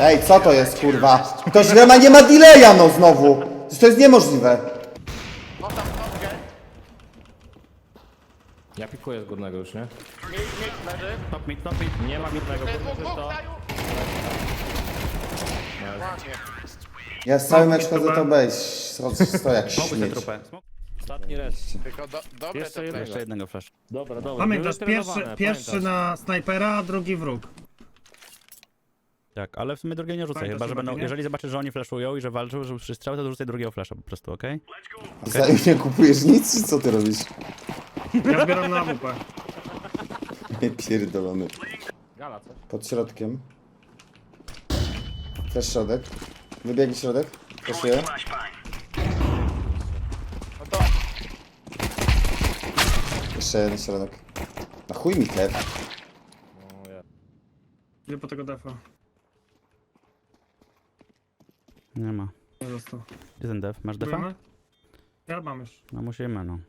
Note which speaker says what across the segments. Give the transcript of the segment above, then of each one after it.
Speaker 1: Ej, co to jest, kurwa? To źle nie ma delaya, no znowu. Przecież to jest niemożliwe.
Speaker 2: Ja pikuję z górnego już, nie?
Speaker 3: Top mid.
Speaker 2: Nie ma górnego, górny czysto.
Speaker 1: Ja z cały mecz chodzę to bejść. Stoję jak
Speaker 3: Smokuj tę
Speaker 1: śmieć.
Speaker 3: trupę.
Speaker 2: Ostatni res.
Speaker 4: Tylko dobre
Speaker 2: Jeszcze
Speaker 4: to
Speaker 2: jedno.
Speaker 3: Jeszcze jednego flash.
Speaker 2: Dobra.
Speaker 5: Pamiętasz,
Speaker 2: były
Speaker 5: pierwszy
Speaker 2: trenowane,
Speaker 5: na snajpera, a drugi wróg.
Speaker 3: Tak, ale w sumie drugiego nie rzucaj,
Speaker 5: Pamiętasz
Speaker 3: chyba że
Speaker 5: chyba,
Speaker 3: będą,
Speaker 5: nie?
Speaker 3: jeżeli zobaczysz, że oni flashują i że walczą, że przy strzał, to rzucaj drugiego flasha po prostu, okej?
Speaker 1: Zanim nie kupujesz nic, czy co ty robisz?
Speaker 5: Ja zbieram na AWP.
Speaker 1: Pierdolony.
Speaker 2: Gala coś.
Speaker 1: Pod środkiem. Też środek. Wybiegnie środek. Proszę.
Speaker 4: No to
Speaker 1: Jeszcze jeden środek. Na chuj mi chleb.
Speaker 5: Idę po tego defa.
Speaker 3: Nie ma.
Speaker 5: Nie został.
Speaker 3: Gdzie ten def? Masz defa?
Speaker 5: Próbujemy? Ja mam już.
Speaker 3: No musimy, no.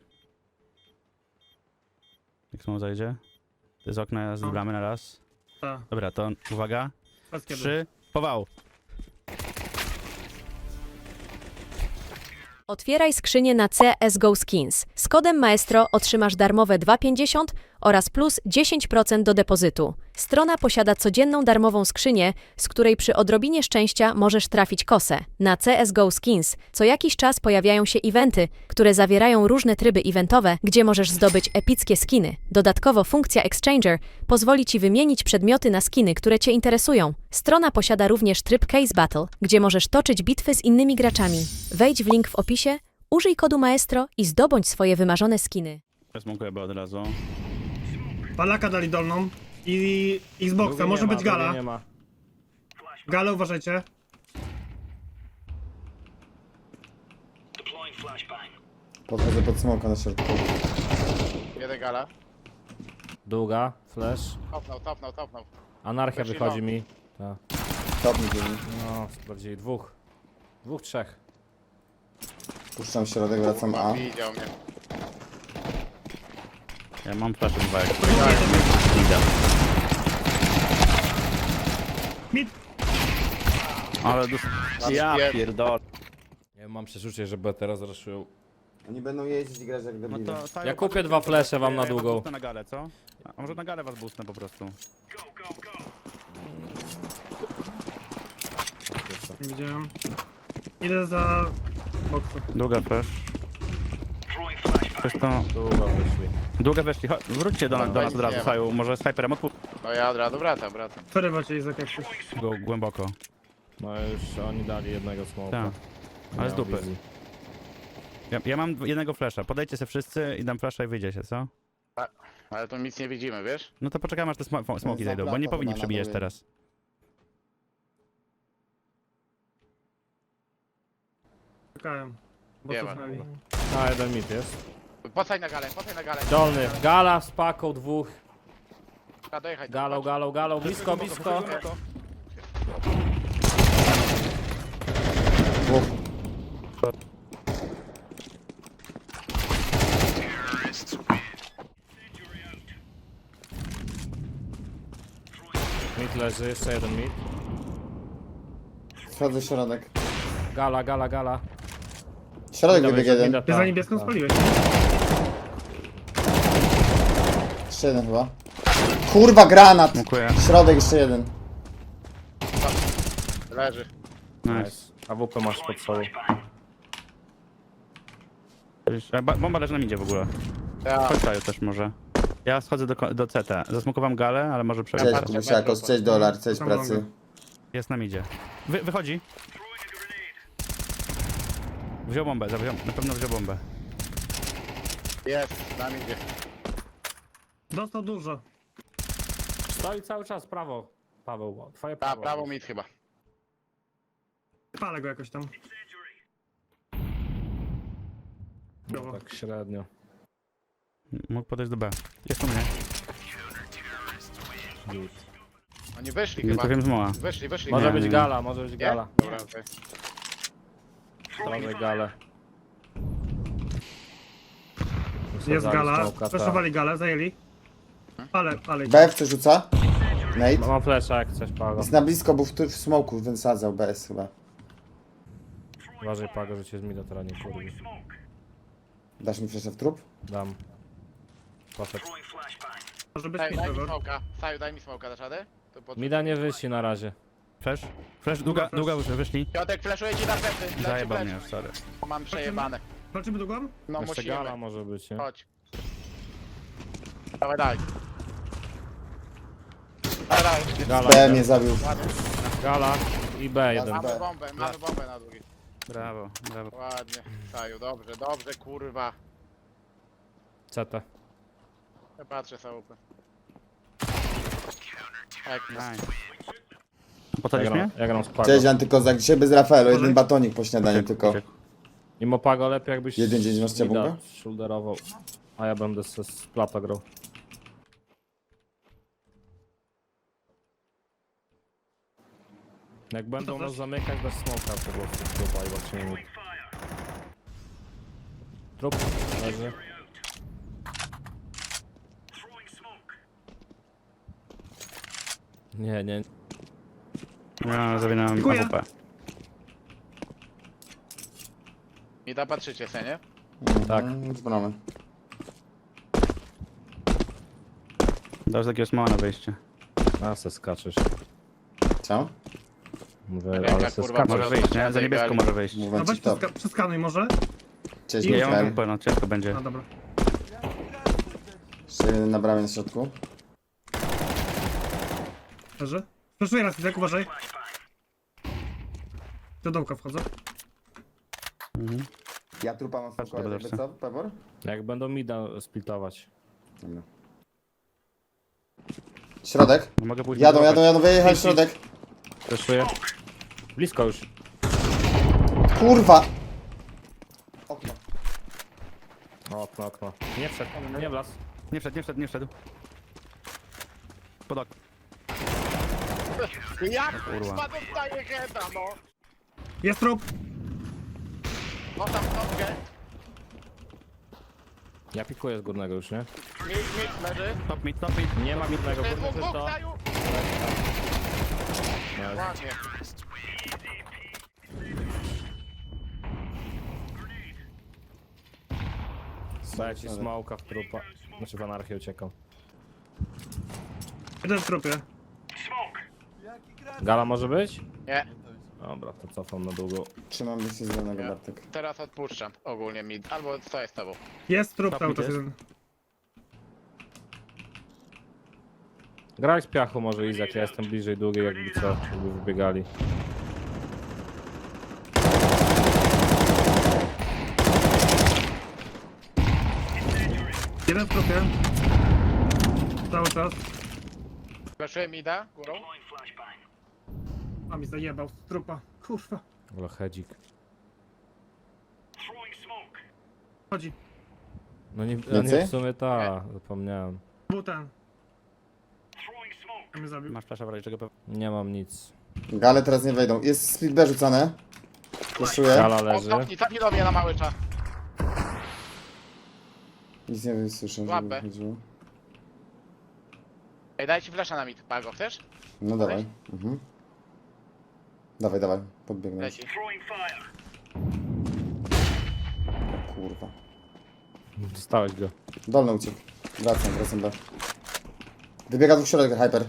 Speaker 3: Jak smoke zajdzie? To z okna zbramy na raz.
Speaker 5: Tak.
Speaker 3: Dobra, to uwaga.
Speaker 5: Bez kiedy.
Speaker 3: 3, pował.
Speaker 6: Otwieraj skrzynię na CSGO Skins. Z kodem Maestro otrzymasz darmowe 2,50 oraz plus 10% do depozytu. Strona posiada codzienną darmową skrzynię, z której przy odrobinie szczęścia możesz trafić kosę. Na CSGO Skins co jakiś czas pojawiają się eventy, które zawierają różne tryby eventowe, gdzie możesz zdobyć epickie skiny. Dodatkowo funkcja Exchanger pozwoli Ci wymienić przedmioty na skiny, które Cię interesują. Strona posiada również tryb Case Battle, gdzie możesz toczyć bitwy z innymi graczami. Wejdź w link w opisie, użyj kodu Maestro i zdobądź swoje wymarzone skiny.
Speaker 3: Smokuję od razu.
Speaker 5: Palaka dali dolną. I Xboxa,
Speaker 2: Drugiej
Speaker 5: może
Speaker 2: nie ma,
Speaker 5: być
Speaker 2: drugiej
Speaker 5: gala.
Speaker 2: Nie ma.
Speaker 5: Gale uważajcie.
Speaker 1: Podchodzę pod smoka na środku.
Speaker 4: jeden gala.
Speaker 2: Długa, flash.
Speaker 4: Topnął.
Speaker 2: Anarchia
Speaker 4: Weszli
Speaker 2: wychodzi
Speaker 4: long.
Speaker 2: mi. Tak.
Speaker 1: Top mi dzieli.
Speaker 2: No, sprawdzili dwóch. Dwóch, trzech.
Speaker 1: Puszczam środek, wracam A.
Speaker 4: Widział mnie.
Speaker 3: Ja mam flash 2 jak
Speaker 5: Mid.
Speaker 3: Ale ja
Speaker 4: Pier-
Speaker 3: pierdolę.
Speaker 2: Ja mam przeczucie, że B teraz raszują.
Speaker 1: Oni będą jeździć i grać jak
Speaker 3: No
Speaker 1: debile.
Speaker 3: to
Speaker 2: Ja kupię dwa flesze wam na
Speaker 3: Ja
Speaker 2: długą.
Speaker 3: boostnę na galę, co? A może na galę was boostnę po prostu.
Speaker 5: Nie widziałem. Idę za boksem.
Speaker 3: Długa flash. Coś to...
Speaker 2: Długo wyszli.
Speaker 3: Długa weszli, wróćcie do nas od razu, Saju. Może snajperem odpuść
Speaker 4: No ja od razu wracam.
Speaker 5: Przerywa cię Izak jak coś.
Speaker 3: go głęboko.
Speaker 2: No już oni dali jednego smoka.
Speaker 3: Tak. Ale z dupy. Ja mam jednego flasha. Podejdźcie się wszyscy i dam flasha i wyjdziecie, co?
Speaker 4: Ale to nic nie widzimy, wiesz?
Speaker 3: No to poczekamy aż te smoki zejdą, bo nie powinni przebijać teraz.
Speaker 5: Czekałem. Bo
Speaker 4: Nie ma.
Speaker 5: cofnęli.
Speaker 2: A, jeden mit jest.
Speaker 4: Pocaj na galę.
Speaker 2: Dolny. Gala z paką dwóch.
Speaker 4: Dojechać.
Speaker 2: Galą. Blisko. Mid leży, jeszcze jeden mid.
Speaker 1: Wchodzę w środek.
Speaker 2: Gala.
Speaker 1: Środek wybiegł jeden.
Speaker 2: Mida,
Speaker 5: Ty za
Speaker 2: tak.
Speaker 5: niebieską spaliłeś.
Speaker 1: Jeszcze jeden chyba. Kurwa, granat!
Speaker 3: Dziękuję.
Speaker 1: Środek jeszcze jeden.
Speaker 4: Leży.
Speaker 3: Nice.
Speaker 2: AWP masz pod sobą.
Speaker 3: Bomba leży na midzie w ogóle.
Speaker 4: Ja.
Speaker 3: Chodź Saju też może. Ja schodzę do CT. Zasmokowałem galę, ale może przebiec.
Speaker 1: Cześć, Kubusiakos, cześć dolar, cześć
Speaker 5: Tam
Speaker 1: pracy.
Speaker 5: mogę.
Speaker 3: Jest na midzie. Wychodzi. Wziął bombę, na pewno wziął bombę.
Speaker 4: Jest. Na mnie.
Speaker 5: Dostał dużo.
Speaker 2: Stoi cały czas prawo. Paweł, twoje prawo.
Speaker 4: Prawo mid chyba.
Speaker 5: Palę go jakoś tam.
Speaker 2: No, tak średnio.
Speaker 3: Mógł podejść do B. Jest u mnie.
Speaker 4: Oni wyszli
Speaker 3: Nie
Speaker 4: chyba.
Speaker 3: trafiłem z moła.
Speaker 4: Wyszli.
Speaker 2: Może
Speaker 3: Nie,
Speaker 2: być
Speaker 3: nie.
Speaker 2: gala.
Speaker 4: Nie? Dobra, okej.
Speaker 2: Prawej gale.
Speaker 5: Jest gala.
Speaker 2: Czołka, tak.
Speaker 5: Przeszowali galę, zajęli. Ale.
Speaker 1: B w co rzuca? Nate.
Speaker 2: Mam flesza jak coś, Pago.
Speaker 1: Jest na blisko, był w smoku, wysadzał BS chyba.
Speaker 2: Uważaj, Pago, że cię z mida teraz nie kurwi.
Speaker 1: Dasz mi fleszę w trup?
Speaker 2: Dam. Poszedł.
Speaker 5: Może być
Speaker 4: Saju,
Speaker 5: mi
Speaker 4: daj mi
Speaker 5: Trevor.
Speaker 4: smoka. Saju, daj mi smoka, dasz radę? To pod...
Speaker 2: Mida nie wyszli na razie.
Speaker 3: Flash? Flash, długa wyszli.
Speaker 4: Piotrek, flashuję ci na plecy.
Speaker 3: Zajebał mnie, sorry.
Speaker 4: Mam przejebane.
Speaker 5: Walczymy długą?
Speaker 4: No
Speaker 2: Jeszcze
Speaker 4: musimy.
Speaker 2: gala może być, nie?
Speaker 4: Chodź. Dawaj, daj. Dawaj, daj.
Speaker 2: Gala,
Speaker 1: B mnie zabił.
Speaker 2: gala i B1.
Speaker 4: Mamy bombę na drugi.
Speaker 3: Brawo, brawo.
Speaker 4: Ładnie. Saju, dobrze, dobrze, kurwa.
Speaker 2: CT.
Speaker 4: Ja patrzę sałupę. Tak,
Speaker 3: Nice. Pocadzisz mnie?
Speaker 2: Ja gram z Pago.
Speaker 1: Cześć Antykozak, dzisiaj bez Rafaelu, jeden batonik po śniadaniu tylko.
Speaker 3: Uciekł.
Speaker 2: Mimo Pago lepiej jakbyś
Speaker 1: 1-9 masz cię
Speaker 2: mida
Speaker 1: bombę?
Speaker 2: shoulderował. A ja będę z plata grał. Jak będą nas zamykać, bez smoka po prostu trupa i zobaczymy. Trup leży. Nie, nie.
Speaker 3: Ja zawinąłem
Speaker 5: Dziękuję.
Speaker 3: AWP.
Speaker 4: I da patrzycie se, nie?
Speaker 2: Tak.
Speaker 1: Zbramy.
Speaker 3: Dasz takiego smoła na wejście.
Speaker 2: A se skaczesz.
Speaker 1: Co?
Speaker 2: Mówię,
Speaker 4: Ręka,
Speaker 2: ale se
Speaker 4: kurwa,
Speaker 2: skaczesz.
Speaker 3: Może wyjść, nie? Za niebieską może wyjść.
Speaker 1: Mówię
Speaker 5: No
Speaker 1: ci
Speaker 5: weź
Speaker 1: to.
Speaker 5: przeskanuj może.
Speaker 1: Cześć
Speaker 3: Ja mam
Speaker 1: Mikael.
Speaker 3: AWP, no ciężko będzie.
Speaker 5: No dobra.
Speaker 1: Jeszcze jeden na bramie na środku.
Speaker 5: Leży. Przeszuję raz, Izak, uważaj. Do dołka wchodzę.
Speaker 1: Ja trupa mam
Speaker 3: Patrz,
Speaker 1: spokojnie,
Speaker 3: dobra,
Speaker 1: jakby co? Pebor?
Speaker 2: Jak będą mida splitować.
Speaker 1: Dobra. Środek.
Speaker 3: Mogę pójść
Speaker 1: Jadą, wyjechać środek.
Speaker 2: Przeszuję. Blisko już.
Speaker 1: Kurwa! Okno.
Speaker 2: Okno. Nie wszedł, nie wlazł.
Speaker 3: Nie wszedł. Pod okno.
Speaker 4: Jak
Speaker 3: kurwa.
Speaker 4: kurwa dostaje heada, no?
Speaker 5: Jest trup.
Speaker 4: O tam nogę.
Speaker 2: Ja pikuję z górnego już, nie?
Speaker 4: Mit, leży.
Speaker 3: Top mid.
Speaker 2: Nie ma górnego,
Speaker 4: Dwóch,
Speaker 2: górny
Speaker 4: dwóch,
Speaker 2: to.
Speaker 4: Saju. Ładnie.
Speaker 2: Daję ci smoka w trupa. Znaczy w anarchię uciekał.
Speaker 5: Jeden w trupie.
Speaker 2: Gala może być?
Speaker 4: Nie,
Speaker 2: Dobra, to cofam na długo.
Speaker 1: Trzymam się zielonego
Speaker 4: Nie.
Speaker 1: Bartek.
Speaker 4: teraz odpuszczam ogólnie mid. Albo co jest z tobą?
Speaker 5: Jest trup
Speaker 3: Top
Speaker 5: cały
Speaker 3: mid
Speaker 5: czas
Speaker 3: jest.
Speaker 5: jeden.
Speaker 2: Graj z piachu może Izak, ja jestem bliżej długiej, jakby co, jakby wybiegali.
Speaker 5: Jeden w trupie. Cały czas.
Speaker 4: Flashuję mida górą.
Speaker 5: A mi zajebał z trupa. Kurwa.
Speaker 2: Ale hedzik.
Speaker 5: Chodzi.
Speaker 2: No nie,
Speaker 1: Więcej?
Speaker 2: w sumie ta, zapomniałem.
Speaker 5: Był ten. A mnie zabił.
Speaker 3: Masz flasza w razie czego pewnie.
Speaker 2: Nie mam nic.
Speaker 1: Gale teraz nie wejdą. Jest split B rzucane. Flashuję.
Speaker 2: Gala
Speaker 4: O,
Speaker 2: leży.
Speaker 4: cofnij do mnie na mały czas.
Speaker 1: Nic nie słyszę, żeby
Speaker 4: Łapę.
Speaker 1: chodziło.
Speaker 4: Ej, daj ci flasha na mid. Pago, chcesz?
Speaker 1: No dawaj. Mhm. Dawaj. Podbiegnę.
Speaker 4: Leci.
Speaker 1: Kurwa.
Speaker 2: Dostałeś go.
Speaker 1: Dolny uciekł. Wracam B. Wybiega dwóch środek, hyper.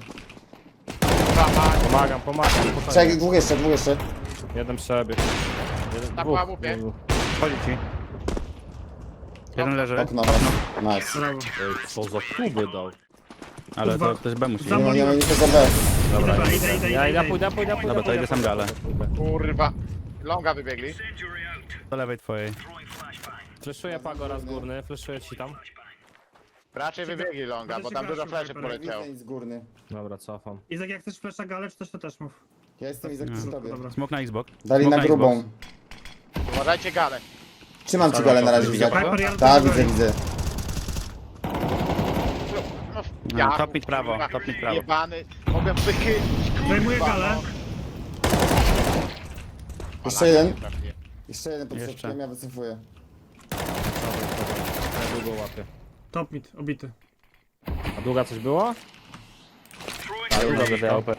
Speaker 2: Pomagam.
Speaker 1: Trzech, dwóch jeszcze.
Speaker 2: Jeden przebieg. Jeden,
Speaker 4: Na
Speaker 2: dwóch.
Speaker 4: łapie.
Speaker 3: Chodzi ci. Jeden leży.
Speaker 1: Okno. Nice.
Speaker 5: Brawo.
Speaker 2: Ej, co za kuby dał.
Speaker 3: Ale
Speaker 5: Kurwa.
Speaker 3: to ktoś B musi.
Speaker 5: Za-
Speaker 1: Nie ma nikogo B.
Speaker 2: Dobra,
Speaker 5: Idę.
Speaker 2: ja pójdę.
Speaker 3: Dobra, to idę sam galę.
Speaker 4: Kurwa. Longa wybiegli.
Speaker 3: Do lewej twojej.
Speaker 2: Fleszuję Pago raz górny, fleszuję ci tam.
Speaker 4: Raczej wybiegli longa, bo tam dużo fleszy poleciało.
Speaker 1: Nic górny.
Speaker 2: Dobra, cofam.
Speaker 5: Izak, jak chcesz flesza galę, czy coś, to też mów.
Speaker 1: Ja jestem Izak przy tobie.
Speaker 5: Dobra.
Speaker 3: Smok na Xbox.
Speaker 1: Dali
Speaker 3: Smok
Speaker 1: na grubą.
Speaker 3: Xbox.
Speaker 4: Uważajcie galę.
Speaker 1: Trzymam ci galę na razie,
Speaker 3: Widział
Speaker 1: Izak.
Speaker 3: go?
Speaker 5: Hyper, ja
Speaker 1: Tak,
Speaker 5: do tego
Speaker 1: widzę.
Speaker 4: No,
Speaker 3: top mid prawo,
Speaker 4: kurwa,
Speaker 3: top mid prawo.
Speaker 4: Jebany. Mogłem wychylić, kurwa.
Speaker 5: Zajmuję galę.
Speaker 1: Jeszcze jeden.
Speaker 4: Nie trafiłem.
Speaker 1: Jeszcze jeden pod
Speaker 3: Jeszcze.
Speaker 1: środkiem, ja wycofuję.
Speaker 2: Ja długo łapię.
Speaker 5: Top mid, obity.
Speaker 2: A długa coś było?
Speaker 3: Dają
Speaker 2: Dobrze,
Speaker 3: na
Speaker 2: AWP.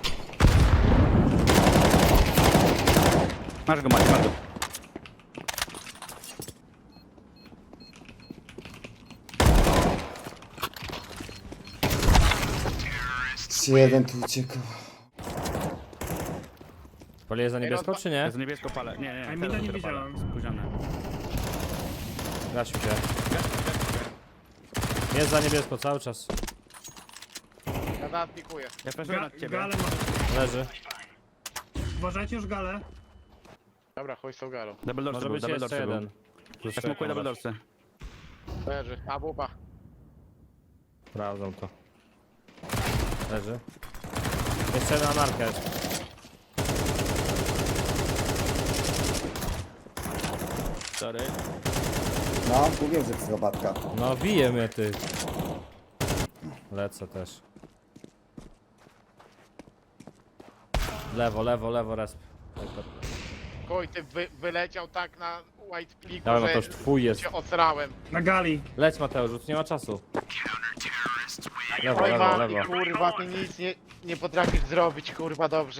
Speaker 3: Masz go, masz go.
Speaker 1: Jeden tu uciekał.
Speaker 2: Palię za niebiesko, czy nie?
Speaker 3: Jest niebiesko pale. Nie,
Speaker 5: A
Speaker 3: nie,
Speaker 5: mida
Speaker 3: teraz
Speaker 5: nie
Speaker 3: dopiero palę.
Speaker 5: widziałem.
Speaker 3: Spóźnione.
Speaker 2: Gasiu się. Jest za niebiesko cały czas.
Speaker 4: Ja zaraz pikuję.
Speaker 3: Ja flashuję nad ciebie.
Speaker 5: Gale może.
Speaker 2: Leży.
Speaker 5: Uważajcie już gale.
Speaker 4: Dobra, chuj z tą galą.
Speaker 3: Double dorsy
Speaker 2: Może
Speaker 3: był,
Speaker 2: być
Speaker 3: double
Speaker 2: jeszcze
Speaker 3: dorsy był.
Speaker 2: jeden. Plus
Speaker 3: Ja smokuję double
Speaker 2: masz.
Speaker 3: dorsy.
Speaker 4: Leży. A wupa.
Speaker 2: Sprawdzam to. Leży. Jeszcze jedna anarka jest.
Speaker 3: Sorry.
Speaker 1: No, mówię, że psychopatka.
Speaker 2: No bije mnie ty. Lecę też. Lewo, lewo, lewo, resp.
Speaker 4: Chuj, ty wyleciał tak na white pliku,
Speaker 2: Dawaj,
Speaker 4: że
Speaker 2: Mateusz, twój jest.
Speaker 4: się osrałem.
Speaker 5: Na gali.
Speaker 2: Leć Mateusz, już nie ma czasu. Lewo,
Speaker 4: Oj,
Speaker 2: lewo,
Speaker 4: mami,
Speaker 2: lewo.
Speaker 4: kurwa, ty nic nie potrafisz zrobić, kurwa, dobrze.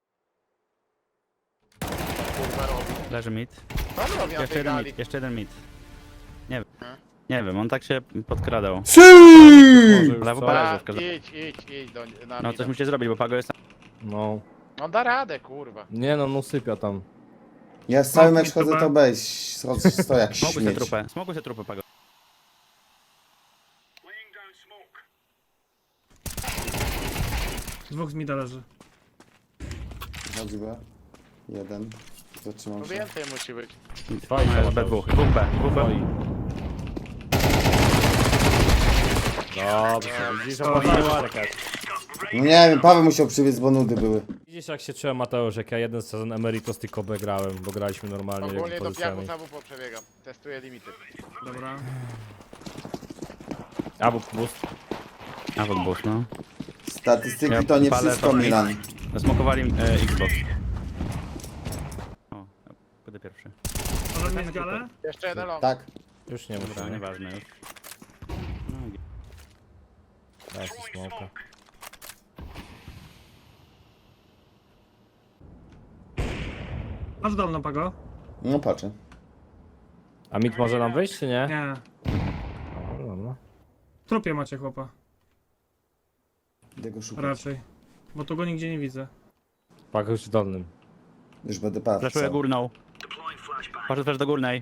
Speaker 4: Kurwa robi.
Speaker 3: Leży mid.
Speaker 4: Co on robi na
Speaker 3: Jeszcze
Speaker 4: tej
Speaker 3: jeden
Speaker 4: gali?
Speaker 3: mid, jeszcze jeden mid. Nie wiem. Nie wiem, on tak się podkradał.
Speaker 2: Może już
Speaker 3: Lewo
Speaker 2: co?
Speaker 3: pależy
Speaker 4: A,
Speaker 3: w każdym.
Speaker 4: idź na
Speaker 3: No coś musi zrobić, bo Pago jest...
Speaker 2: No.
Speaker 4: On da radę, kurwa.
Speaker 2: Nie no, no sypia tam.
Speaker 1: Ja z cały
Speaker 5: No,
Speaker 1: mecz chodzę to bejść. Stoję jak
Speaker 3: Smokuj się
Speaker 1: śmieć.
Speaker 3: trupę, smokuj się trupę, Pago.
Speaker 5: Dwóch z mida leży.
Speaker 1: Chodzi B. Jeden. Zatrzymam
Speaker 4: No
Speaker 1: się.
Speaker 4: więcej musi być.
Speaker 2: Twoi
Speaker 3: No
Speaker 2: są,
Speaker 3: jest B2,
Speaker 2: Mateusz.
Speaker 3: dwóch B, dwóch B.
Speaker 2: Twoi. Dobrze, widzisz, opłacony Marek jest.
Speaker 1: No nie wiem, Paweł musiał przywieźć, bo nudy były.
Speaker 2: Widzisz jak się czułem Mateusz, jak ja jeden sezon Emeritus tylko B grałem, bo graliśmy normalnie
Speaker 4: Ogólnie
Speaker 2: jakby
Speaker 4: do
Speaker 2: pozycjami.
Speaker 4: piachu za WP przebiegam. Testuję limity.
Speaker 5: Dobra.
Speaker 2: Albo boost.
Speaker 3: A w boost, no.
Speaker 1: Statystyki
Speaker 3: Ja
Speaker 1: to nie
Speaker 3: palę
Speaker 1: wszystko,
Speaker 3: to-
Speaker 1: Milan.
Speaker 3: Zasmokowali Xbox. O, będę pierwszy.
Speaker 5: Może mieć galę?
Speaker 4: Jeszcze jeden long.
Speaker 1: Tak.
Speaker 2: Już nie
Speaker 3: Dobra,
Speaker 2: muszę.
Speaker 3: nieważne już. No,
Speaker 2: Daj sobie smoka.
Speaker 5: Masz dolną, Pago?
Speaker 1: No patrzę.
Speaker 2: A mit może nam wyjść, czy nie?
Speaker 5: Nie.
Speaker 2: No, dobra.
Speaker 5: W trupie macie chłopa.
Speaker 1: Idę go szukać.
Speaker 5: Raczej. Bo tu go nigdzie nie widzę.
Speaker 2: Pak już w dolnym.
Speaker 1: Już będę patrzył.
Speaker 3: Flashuję górną. Patrzę też do górnej.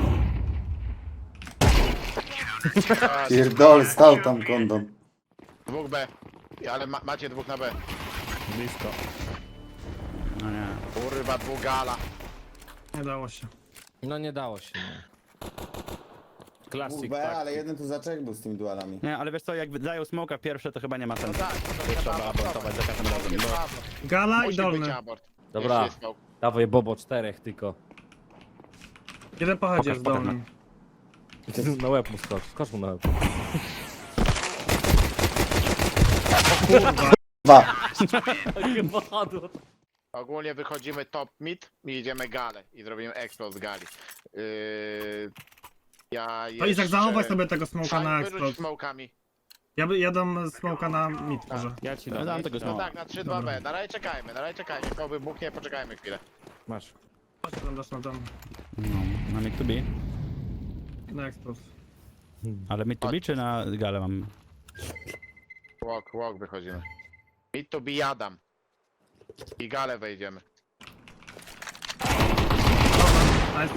Speaker 1: Pierdol, stał tam kondom.
Speaker 4: Dwóch B. Ale macie dwóch na B.
Speaker 2: Blisko.
Speaker 3: No nie.
Speaker 4: Kurwa, dwóch gala.
Speaker 5: Nie dało się.
Speaker 2: No nie dało się, nie. Classic,
Speaker 1: B,
Speaker 2: tak.
Speaker 1: ale jeden tu zaczek był z tymi dualami.
Speaker 3: Nie, ale wiesz co, jak dają smoka pierwsze, to chyba nie ma
Speaker 4: No
Speaker 3: sensu.
Speaker 4: tak, to
Speaker 3: Trzeba abortować za każdym razem, bo...
Speaker 5: Gala i
Speaker 4: Musi być
Speaker 5: dolny.
Speaker 4: abort.
Speaker 2: Dobra.
Speaker 4: Jeszcze jest
Speaker 2: Dawaj Bobo, 4 tylko.
Speaker 5: Jeden pochodzi
Speaker 3: Pokaż,
Speaker 5: z
Speaker 3: pokaż
Speaker 5: dolnym.
Speaker 2: Na łeb mu skocz, skocz mu na łeb.
Speaker 1: Dwa.
Speaker 4: Ogólnie wychodzimy top mid i idziemy galę i zrobimy explode z gali. Ja
Speaker 5: To Izak, zachowaj sobie tego smoka na
Speaker 4: Wyrzuć
Speaker 5: explode.
Speaker 4: smokami.
Speaker 5: Ja dam smoka na mid może.
Speaker 2: Ja ci
Speaker 3: No,
Speaker 2: dam.
Speaker 3: dam tego
Speaker 4: No
Speaker 3: smoka.
Speaker 4: tak, na 3-2B. Na razie czekajmy. Kto wybuchnie, poczekajmy chwilę.
Speaker 2: Masz.
Speaker 5: Chodź tam dasz na dom.
Speaker 3: No, na mid to be.
Speaker 5: Na explode.
Speaker 3: Ale mid to be czy na galę mam?
Speaker 4: Walk wychodzimy. Mid to be jadam. I galę wejdziemy.
Speaker 5: Nice.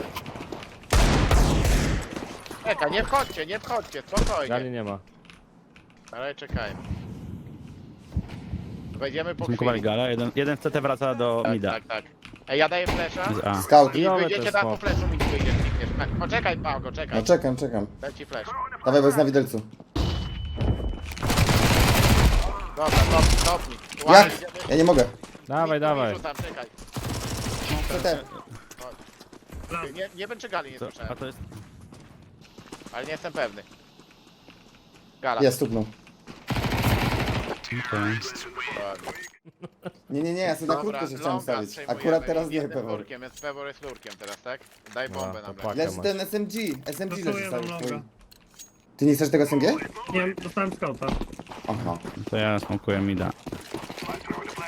Speaker 4: Czekaj, nie wchodźcie, spokojnie.
Speaker 2: Gali nie ma.
Speaker 4: Na razie czekajmy. Wejdziemy po
Speaker 3: Smokowali
Speaker 4: chwili.
Speaker 3: galę, jeden w CT wraca do mida.
Speaker 4: Tak. Ej, ja daję flesza.
Speaker 3: A.
Speaker 1: Scout.
Speaker 4: I
Speaker 2: Chujowe
Speaker 4: wyjdziecie
Speaker 2: to
Speaker 4: tak po
Speaker 2: smok.
Speaker 4: fleszu i wyjdziesz. Poczekaj, Pago, czekaj.
Speaker 1: No czekam.
Speaker 4: Leci flash.
Speaker 1: Dawaj, bo jest na widelcu.
Speaker 4: Dobra, topnij.
Speaker 1: Jak?
Speaker 4: Ładnie, idziemy.
Speaker 1: Ja nie mogę.
Speaker 2: Dawaj, dawaj.
Speaker 4: Rzucam, czekaj.
Speaker 1: CT.
Speaker 4: Nie wiem czy gali nie
Speaker 3: A
Speaker 4: słyszałem,
Speaker 3: to jest...
Speaker 4: ale nie jestem pewny. Gala.
Speaker 1: Ja stuknął.
Speaker 3: Okej.
Speaker 4: Ładnie.
Speaker 1: Nie, ja sobie na
Speaker 4: Dobra,
Speaker 1: krótko się chciałem
Speaker 4: longa
Speaker 1: stawić.
Speaker 4: przejmujemy.
Speaker 1: Akurat teraz nie,
Speaker 4: Jestem
Speaker 1: Pewor.
Speaker 4: lurkiem, więc Pewor jest lurkiem teraz, tak? Daj
Speaker 2: No,
Speaker 4: bombę
Speaker 2: to
Speaker 4: nam.
Speaker 2: pak.
Speaker 1: Leży ten SMG. SMG leży
Speaker 5: Dostaję
Speaker 1: cały
Speaker 5: wam
Speaker 1: twój.
Speaker 5: longa.
Speaker 1: Ty nie chcesz tego SMG?
Speaker 5: Nie, dostałem scouta.
Speaker 1: Aha.
Speaker 3: To ja smokuję mida.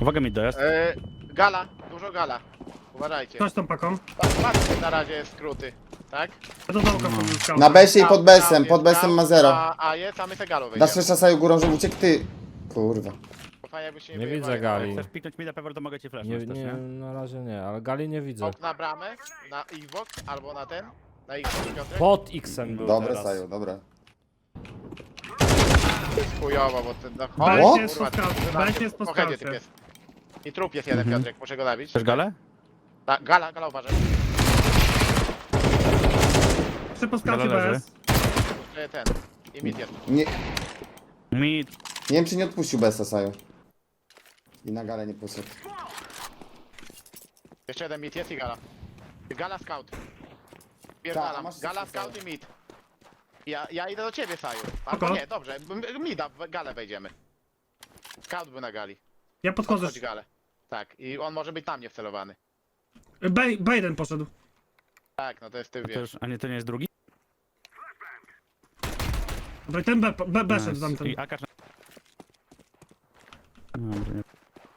Speaker 3: Uwaga mi dojazd.
Speaker 4: Gala, dużo gala. Uważajcie.
Speaker 5: Ktoś tą paką.
Speaker 4: Patrzcie, na razie jest skróty. Tak?
Speaker 5: Ja do dołka podzyskałem.
Speaker 1: Na besie i
Speaker 4: Tam,
Speaker 1: pod besem,
Speaker 4: tam
Speaker 1: pod
Speaker 4: jest
Speaker 1: besem
Speaker 4: tam,
Speaker 1: ma 0.
Speaker 4: A jest, a my te galo
Speaker 1: Dasz
Speaker 4: wyjdziemy.
Speaker 1: jeszcze saju górą, że uciekł ty. Kurwa.
Speaker 4: Fajnie, jakbyście
Speaker 2: Nie
Speaker 4: wyjebali.
Speaker 2: widzę gali.
Speaker 3: Chcesz piknąć mida, Pewor, to mogę ci flash
Speaker 2: Nie,
Speaker 3: też,
Speaker 2: nie,
Speaker 3: nie?
Speaker 2: na razie nie, ale gali nie widzę.
Speaker 4: Ok na bramę, na Xbox albo na ten. Na Xbox, Piotrek.
Speaker 2: Pod X-em był
Speaker 1: Dobre
Speaker 2: teraz.
Speaker 1: saju, dobra.
Speaker 4: Chujowo, bo ten... No,
Speaker 5: Beś
Speaker 1: O!
Speaker 5: jest po skałcie, Beś jest po
Speaker 4: Pochedzie typ
Speaker 5: skałcie.
Speaker 4: jest. I trup jest jeden, Piotrek, muszę go zabić.
Speaker 3: Chcesz galę?
Speaker 4: Gala uważaj.
Speaker 5: Trzy po skałcie
Speaker 3: Gala leży.
Speaker 5: BS.
Speaker 4: Ten. I mid jest.
Speaker 1: Nie,
Speaker 3: Mid.
Speaker 1: nie wiem czy nie odpuścił besa saju. I na galę nie poszedł.
Speaker 4: Jeszcze jeden mid jest i gala. Gala scout.
Speaker 1: Tak,
Speaker 4: Pierdalam.
Speaker 1: masz
Speaker 4: Gala
Speaker 1: wszystko,
Speaker 4: scout i mid. Ja idę do ciebie, Saju. Albo
Speaker 5: Oko.
Speaker 4: nie, dobrze. Mida, w galę wejdziemy. Scout był na gali.
Speaker 5: Ja podchodzę.
Speaker 4: Chodź galę. Tak, i on może być tam nie wcelowany.
Speaker 5: Bejden poszedł.
Speaker 4: Tak, no to jest ty,
Speaker 3: To
Speaker 4: wiesz.
Speaker 3: już, a nie, to nie jest drugi?
Speaker 5: Dobra, i ten B szedł tamten.
Speaker 3: I Akasz... Dobra, nie.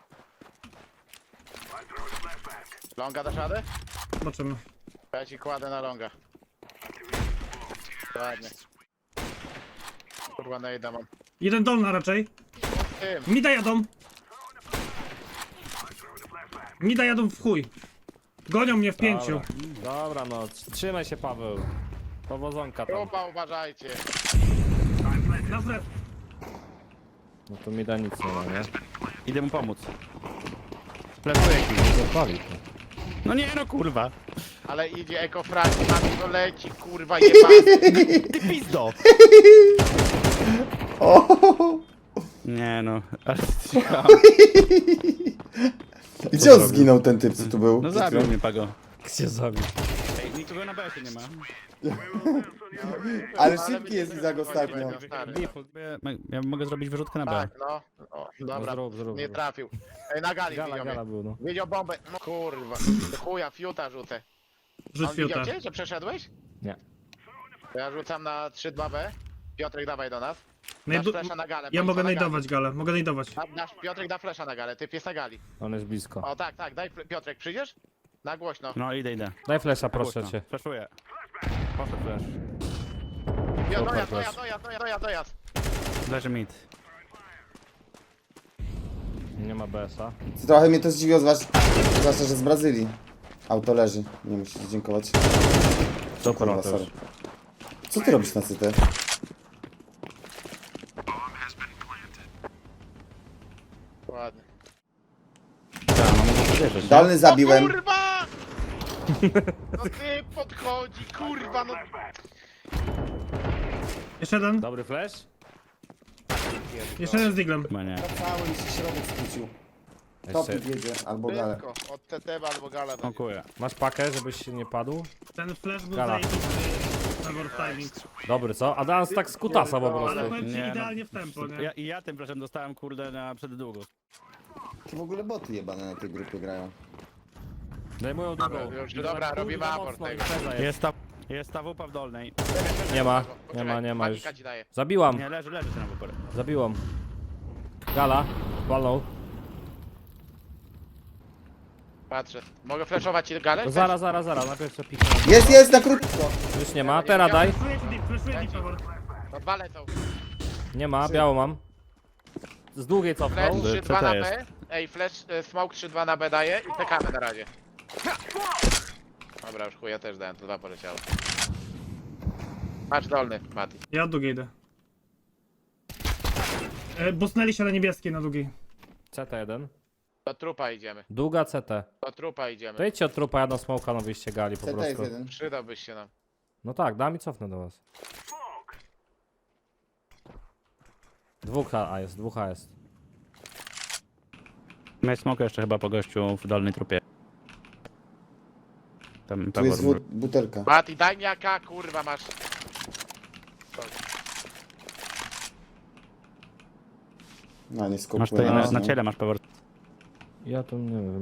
Speaker 4: Longa dasz radę?
Speaker 5: Zobaczymy.
Speaker 4: Ja ci kładę na longa. Ładnie. Kurwa, najda mam.
Speaker 5: Jeden dolna raczej.
Speaker 4: Tym.
Speaker 5: Mida jadą. Mida jadą w chuj. Gonią mnie w 5.
Speaker 2: Dobra, no, trzymaj się Paweł. Powozonka tam.
Speaker 4: Grupa, uważajcie.
Speaker 5: Na flet.
Speaker 2: No to mi da nic nie ma, nie?
Speaker 3: Idę mu pomóc. Flashuję ci.
Speaker 2: Zapali to.
Speaker 3: No nie, no kurwa.
Speaker 4: Ale idzie ekofrag, na to leci, kurwa, jebany.
Speaker 3: Ty pizdo!
Speaker 1: O!
Speaker 3: Nie no, ale
Speaker 1: I gdzie on zginął ten typ, co tu był?
Speaker 3: no zabił mnie Pago.
Speaker 2: Gdzie zabił?
Speaker 3: Ej, nikogo na BS nie ma.
Speaker 1: Ale szybki jest Izak ostatnio.
Speaker 3: Ja mogę zrobić wyrzutkę na B.
Speaker 4: Tak, no. O, dobra,
Speaker 2: zrób.
Speaker 4: nie trafił. Ej, na gali
Speaker 2: Gala,
Speaker 4: widział
Speaker 2: gala
Speaker 4: mnie.
Speaker 2: był, no.
Speaker 4: Widział bombę. No kurwa, do chuja, fiuta rzucę.
Speaker 5: Rzuć
Speaker 4: On widział
Speaker 5: fiuta.
Speaker 4: cię, że przeszedłeś?
Speaker 2: Nie.
Speaker 4: To ja rzucam na 3-2B. Piotrek, dawaj do nas. Dasz
Speaker 5: Najdu-
Speaker 4: flesza na galę.
Speaker 5: Ja
Speaker 4: bądź
Speaker 5: mogę
Speaker 4: na gali.
Speaker 5: najdować galę, mogę najdować.
Speaker 4: Piotrek da flesza na galę, typ jest na gali.
Speaker 2: On jest blisko.
Speaker 4: O tak, tak, daj Piotrek, przyjdziesz? Na głośno.
Speaker 3: No idę.
Speaker 2: Daj flesza, proszę
Speaker 3: Głośno.
Speaker 2: cię.
Speaker 3: Flashuję. Poszedł flash.
Speaker 4: Dojazd.
Speaker 3: Leży mid.
Speaker 2: Nie ma BS-a.
Speaker 1: Trochę mnie to zdziwiło, zwłaszcza, że z Brazylii. Auto leży, nie musisz dziękować.
Speaker 2: Super,
Speaker 1: Kurwa,
Speaker 2: on też.
Speaker 1: sorry. Co ty robisz na CT?
Speaker 4: Ładnie.
Speaker 3: Tak, no mogę wierzyć.
Speaker 1: Dalny zabiłem.
Speaker 4: O kurwa! No ty podchodzi, kurwa, no.
Speaker 5: Jeszcze jeden.
Speaker 2: Dobry flash?
Speaker 5: Jeszcze jeden z diglem.
Speaker 3: Chyba nie.
Speaker 1: Cały mi się środek skrócił.
Speaker 2: Jeszcze.
Speaker 1: Topik jedzie, albo galę.
Speaker 4: Tylko, od TT albo gala. będzie.
Speaker 3: Dziękuję.
Speaker 2: Masz pakę, żebyś się nie padł?
Speaker 5: Ten flash był
Speaker 2: Gala.
Speaker 5: zajebisty. Trevor timing.
Speaker 2: Dobry, co? A dans tak z kutasa po prostu.
Speaker 5: Ale powiem ci
Speaker 3: Nie, no.
Speaker 5: idealnie w tempo, nie?
Speaker 3: Ja tym flashem dostałem kurde na przed długo.
Speaker 1: To w ogóle boty jebane na tej grupie grają.
Speaker 2: Zajmują drugą.
Speaker 4: już, dobra, robimy
Speaker 2: Kurwa,
Speaker 4: aport
Speaker 2: mocno
Speaker 4: tego.
Speaker 2: impreza jest.
Speaker 3: Jest ta wupa w dolnej.
Speaker 2: Nie ma,
Speaker 4: Poczekaj,
Speaker 2: nie ma już.
Speaker 4: magika ci daje.
Speaker 2: Zabiłam,
Speaker 3: Nie, leży ten wuper.
Speaker 2: zabiłam. Gala, walnął.
Speaker 4: Patrzę. Mogę flashować ci galę?
Speaker 2: To zaraz, najpierw co piknę.
Speaker 1: Jest, na krótko!
Speaker 2: Już nie ma, teraz daj.
Speaker 5: Flashuję ci Trevor.
Speaker 4: No dwa lecą.
Speaker 2: Nie ma, biało mam. Z długiej
Speaker 4: Flash
Speaker 2: cofnął.
Speaker 4: 3-2
Speaker 3: co
Speaker 4: na
Speaker 3: to
Speaker 4: B. Ej, flash, smoke 3-2 na B daje i czekamy na razie. Dobra, już chuja też dałem, to dwa poleciało. Patrz dolny, Mati.
Speaker 5: Ja od długiej idę. Bosnęli się na niebieskiej na długiej.
Speaker 2: CT1.
Speaker 4: Do trupa idziemy.
Speaker 2: Długa CT.
Speaker 4: Do trupa idziemy.
Speaker 2: To idźcie od trupa, ja na smoka na wyjście gali po
Speaker 1: CT jest
Speaker 2: prostu.
Speaker 1: jeden.
Speaker 4: Przydałbyś się nam.
Speaker 2: No tak, dam i cofnę do was. Dwóch A jest, dwóch A jest.
Speaker 3: Miałeś smoka jeszcze chyba po gościu w dolnej trupie. Tam
Speaker 1: Tu jest
Speaker 3: Pewor.
Speaker 1: butelka.
Speaker 4: Mati, daj mi AK, kurwa masz.
Speaker 1: No nie
Speaker 3: Masz
Speaker 1: skopuję.
Speaker 3: tutaj na ciele masz Pewor.
Speaker 2: Ja to nie wiem.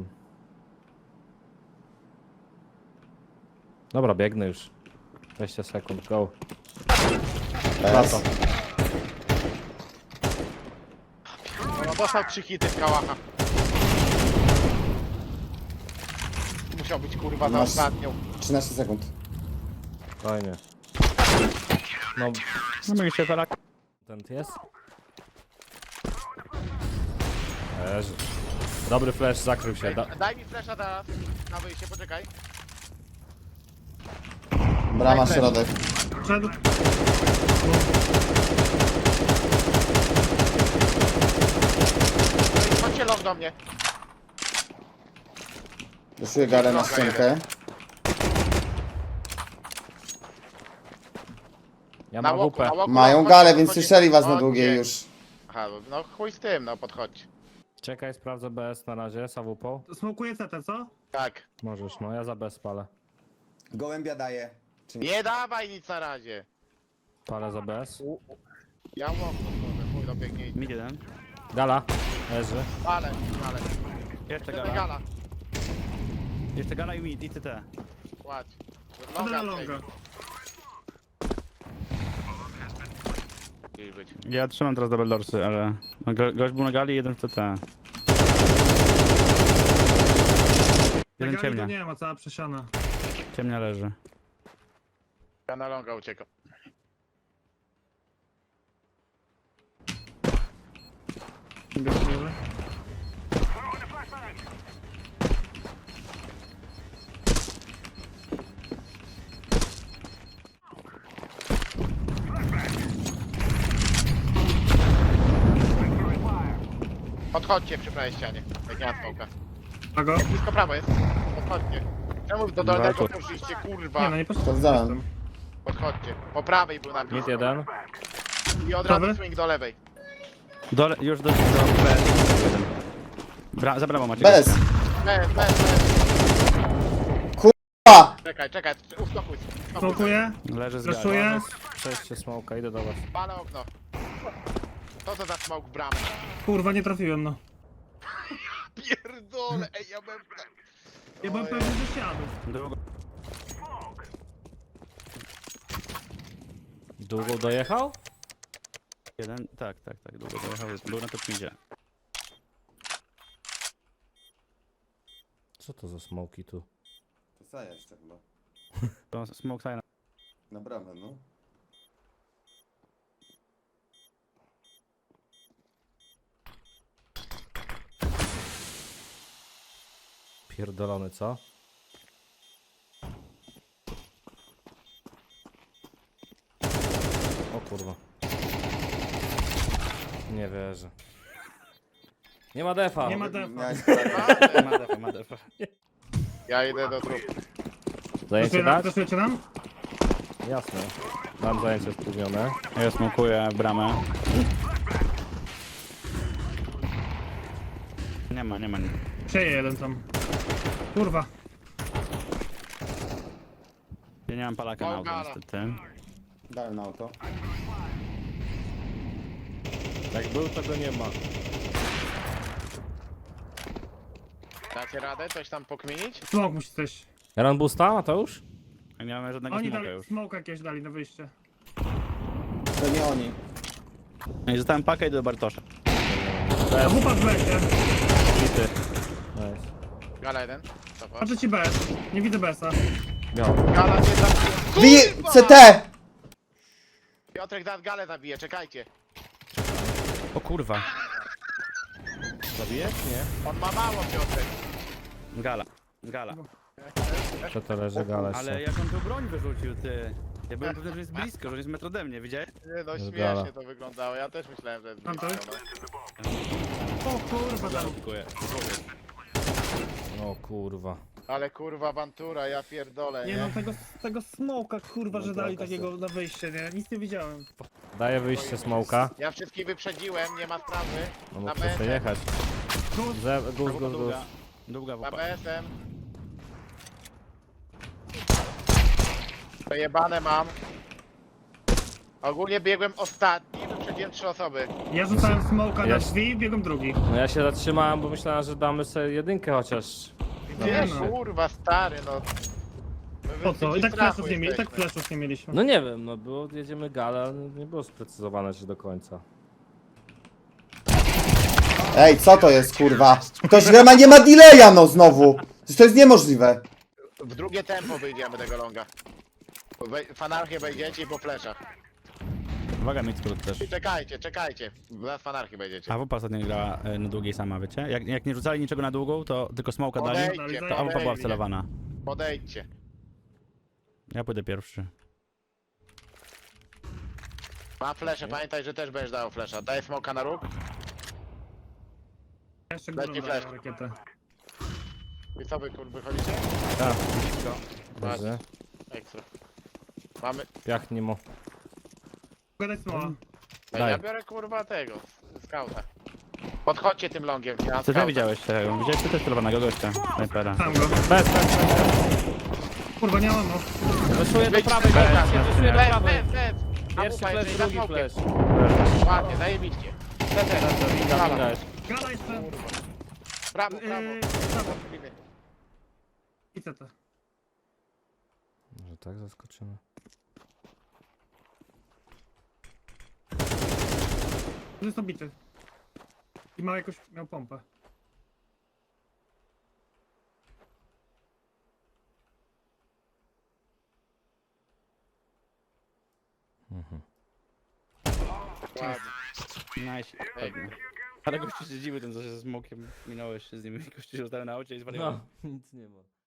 Speaker 2: Dobra, biegnę już. 20 sekund, go.
Speaker 1: S.
Speaker 4: No, dostał 3 hity z kałacha. musiał być kurwa za
Speaker 1: Masz-
Speaker 4: ostatnią.
Speaker 1: 13 sekund.
Speaker 2: Fajnie. No,
Speaker 3: No mieliście felak.
Speaker 2: ten jest. Leży. Dobry flash, zakrył się.
Speaker 4: Daj mi flesza teraz. Na wyjście, poczekaj.
Speaker 1: Brama, środek.
Speaker 5: Wszedł.
Speaker 4: Chodźcie long do mnie.
Speaker 1: Wyszuję galę na ściankę.
Speaker 2: Ja
Speaker 4: Na
Speaker 2: mam
Speaker 4: łoku,
Speaker 2: WP.
Speaker 4: na łoku.
Speaker 1: Mają
Speaker 4: chodźcie,
Speaker 1: galę, więc
Speaker 4: chodźcie.
Speaker 1: słyszeli was na
Speaker 4: Chodźcie.
Speaker 1: długiej już.
Speaker 4: Aha, no chuj z tym, no podchodź.
Speaker 2: Czekaj, sprawdzę BS na razie, z AWP.
Speaker 5: Smokuję CT, co?
Speaker 4: Tak.
Speaker 2: Możesz, no ja za BS palę.
Speaker 1: Gołębia daje. Czy nie?
Speaker 4: Nie dawaj nic na razie.
Speaker 2: Palę za BS.
Speaker 4: Ja łom, chuj dobiegnie.
Speaker 3: Mid jeden.
Speaker 2: Gala, leży.
Speaker 4: Ale.
Speaker 3: Jeszcze
Speaker 4: Gala.
Speaker 3: gala.
Speaker 4: Gala.
Speaker 3: Jeszcze gala i mid i CT.
Speaker 4: Kładź.
Speaker 5: Chodzę na longa.
Speaker 4: Gdzieś być.
Speaker 3: Ja trzymam teraz double doorsy, ale... no, gość był na gali, jeden w CT.
Speaker 5: Na
Speaker 3: Jeden
Speaker 5: gali to
Speaker 3: ciemnia.
Speaker 5: nie ma, cała przesiana.
Speaker 3: Ciemnia leży.
Speaker 4: Ja na longa uciekam. Podchodźcie przy prawej ścianie. Jak nie ma smoka.
Speaker 5: A go?
Speaker 4: Blisko prawo jest. Podchodźcie. Czemu do dolnego poszliście, kurwa?
Speaker 5: Nie no, nie
Speaker 1: Sprawdzałem.
Speaker 4: Podchodźcie. Po prawej był napis.
Speaker 2: Mid jeden.
Speaker 4: I od razu
Speaker 5: Prawy?
Speaker 4: swing do lewej.
Speaker 3: Już do BS. Za bramą macie.
Speaker 1: Bez.
Speaker 4: Bez.
Speaker 1: Pa!
Speaker 4: Czekaj. Uspokój.
Speaker 5: Smokuję,
Speaker 3: Leży z gali.
Speaker 5: flashuję.
Speaker 2: Przejście smoka, idę do was.
Speaker 4: Palę okno. Co to za smoke w bramę?
Speaker 5: Kurwa, nie trafiłem, no.
Speaker 4: Pierdolę, ej, ja bym...
Speaker 5: Ja byłem pewny, że siadł.
Speaker 3: Długo.
Speaker 2: Długo dojechał?
Speaker 3: Jeden, tak, długo dojechał. Był na top midzie.
Speaker 2: Co to za smoki tu?
Speaker 1: To co jeszcze chyba?
Speaker 3: To smoke sign.
Speaker 1: Na bramę, no.
Speaker 2: Pierdolony, co? O kurwa. Nie wierzę. Nie ma defa.
Speaker 5: Nie ma defa.
Speaker 1: Miałeś
Speaker 3: Ma defa.
Speaker 4: Ja idę do trup.
Speaker 2: Zajęcie dać?
Speaker 5: Flashujecie nam?
Speaker 2: Jasne. Mam zajęcie spóźnione.
Speaker 3: Ja smokuję bramę. Nie ma.
Speaker 5: Przeje jeden tam. Kurwa.
Speaker 3: Ja nie mam palaka na auto
Speaker 4: Małgara.
Speaker 3: niestety.
Speaker 1: Dałem na auto.
Speaker 2: Jak był, to go nie ma.
Speaker 4: Dacie radę coś tam pokminić?
Speaker 5: Smok musi coś.
Speaker 2: Run boosta, Mateusz?
Speaker 3: Ja nie mam żadnego
Speaker 5: Oni
Speaker 3: smoka
Speaker 5: dali,
Speaker 3: już.
Speaker 5: smoka jakieś dali na wyjście.
Speaker 1: To nie oni.
Speaker 3: No i zostałem pakę i do Bartosza.
Speaker 5: A wupa w besie.
Speaker 2: Bity. Nice.
Speaker 4: Gala jeden. Cofa.
Speaker 5: Patrzę ci BS. Nie widzę BS-a.
Speaker 2: Miał.
Speaker 4: Gala cię zabije.
Speaker 1: Bije!
Speaker 4: Kurwa!
Speaker 1: CT!
Speaker 4: Piotrek zaraz galę zabije, czekajcie.
Speaker 3: O kurwa.
Speaker 2: Zabijesz? Nie.
Speaker 4: On ma mało, Piotrek.
Speaker 3: Gala.
Speaker 2: To to leży gala
Speaker 3: Ale
Speaker 2: jeszcze.
Speaker 3: jak on tu broń wyrzucił, ty. Ja byłem pewny, że jest blisko, że jest metr ode mnie, widziałeś?
Speaker 4: Nie no,
Speaker 2: Jest
Speaker 4: śmiesznie
Speaker 2: gala.
Speaker 4: to wyglądało. Ja też myślałem, że jest
Speaker 5: Tam to
Speaker 4: blisko,
Speaker 5: jest?
Speaker 4: no.
Speaker 5: O kurwa, tam.
Speaker 3: Dziękuję.
Speaker 2: O kurwa.
Speaker 4: Ale kurwa awantura, ja pierdolę,
Speaker 5: Nie
Speaker 4: nie?
Speaker 5: no, tego smoka kurwa, że
Speaker 1: No
Speaker 5: dali
Speaker 1: trochę
Speaker 5: takiego na wyjście, nie? Nic nie widziałem.
Speaker 2: Daję wyjście smoka.
Speaker 4: Ja wszystkich wyprzedziłem, nie ma sprawy.
Speaker 2: No
Speaker 4: Na
Speaker 2: mógł
Speaker 4: BS-em.
Speaker 2: przejechać. Guz.
Speaker 3: Długa
Speaker 4: Na
Speaker 3: wupa.
Speaker 4: BS-em. Przejebane mam. Ogólnie biegłem ostatni, wyprzedziłem 3 osoby.
Speaker 5: Ja rzucałem smoka na
Speaker 2: Jest.
Speaker 5: drzwi i biegłem drugi.
Speaker 2: No ja się zatrzymałem, bo myślałem, że damy sobie jedynkę chociaż.
Speaker 4: Nie,
Speaker 5: no.
Speaker 4: kurwa, stary, no. My
Speaker 5: Po co? I
Speaker 4: w
Speaker 5: tak
Speaker 4: strachu
Speaker 5: flashów nie mieli, i tak
Speaker 4: jesteśmy.
Speaker 5: flashów nie mieliśmy.
Speaker 2: No nie wiem, no bo jedziemy galę, ale nie było sprecyzowane jeszcze do końca.
Speaker 1: Ej, co to jest kurwa? Ktoś gra nie ma delaya no znowu. Przecież to jest niemożliwe.
Speaker 4: w drugie tempo wyjdziemy tego longa. W anarchię wejdziecie i po fleszach.
Speaker 3: Uwaga, mid skrót też.
Speaker 4: Czekajcie. Zaraz w anarchię wejdziecie.
Speaker 3: A WP ostatnio grała na długiej sama, wiecie? Jak nie rzucali niczego na długą, to tylko smoka dali, to AWP była wcelowana.
Speaker 4: Podejdźcie.
Speaker 3: Ja pójdę pierwszy.
Speaker 4: Ma flesze, pamiętaj, że też będziesz dał flesza. Daj smoka na róg.
Speaker 5: Jeszcze
Speaker 4: Leci
Speaker 5: górą
Speaker 4: flash.
Speaker 5: daję rakietę.
Speaker 4: I co wy wychodzicie?
Speaker 2: Tak.
Speaker 4: Blisko.
Speaker 2: Dobrze.
Speaker 4: Ekstra. Mamy.
Speaker 2: Piach nie mo.
Speaker 5: Gadać smoła.
Speaker 2: Daj.
Speaker 4: Ja biorę kurwa tego. Skauta. Podchodźcie tym longiem. Ja
Speaker 3: Co ty
Speaker 4: skauta.
Speaker 3: widziałeś tego? Widziałeś ty też celowanego gościa, snajpera.
Speaker 5: Tam go.
Speaker 2: Bez.
Speaker 5: Kurwa, nie mam no.
Speaker 2: Wyszuję do prawej, wyszuję do prawej. Pierwszy
Speaker 4: Amupa,
Speaker 2: flash,
Speaker 4: jeżeli za
Speaker 2: drugi
Speaker 4: smokiem.
Speaker 2: flash.
Speaker 4: Ładnie, zajebiście.
Speaker 2: Widać.
Speaker 5: Gala jeszcze.
Speaker 4: Prawo.
Speaker 5: Prawo. I co to?
Speaker 2: Może tak zaskoczymy.
Speaker 5: To jest obity. I miał pompę.
Speaker 4: Ładnie.
Speaker 3: Nice. Ale gościu się dziwi, ten co się ze smokiem minąłeś się z nim i gościu się na aucie i zwariował.
Speaker 2: No, nic nie ma.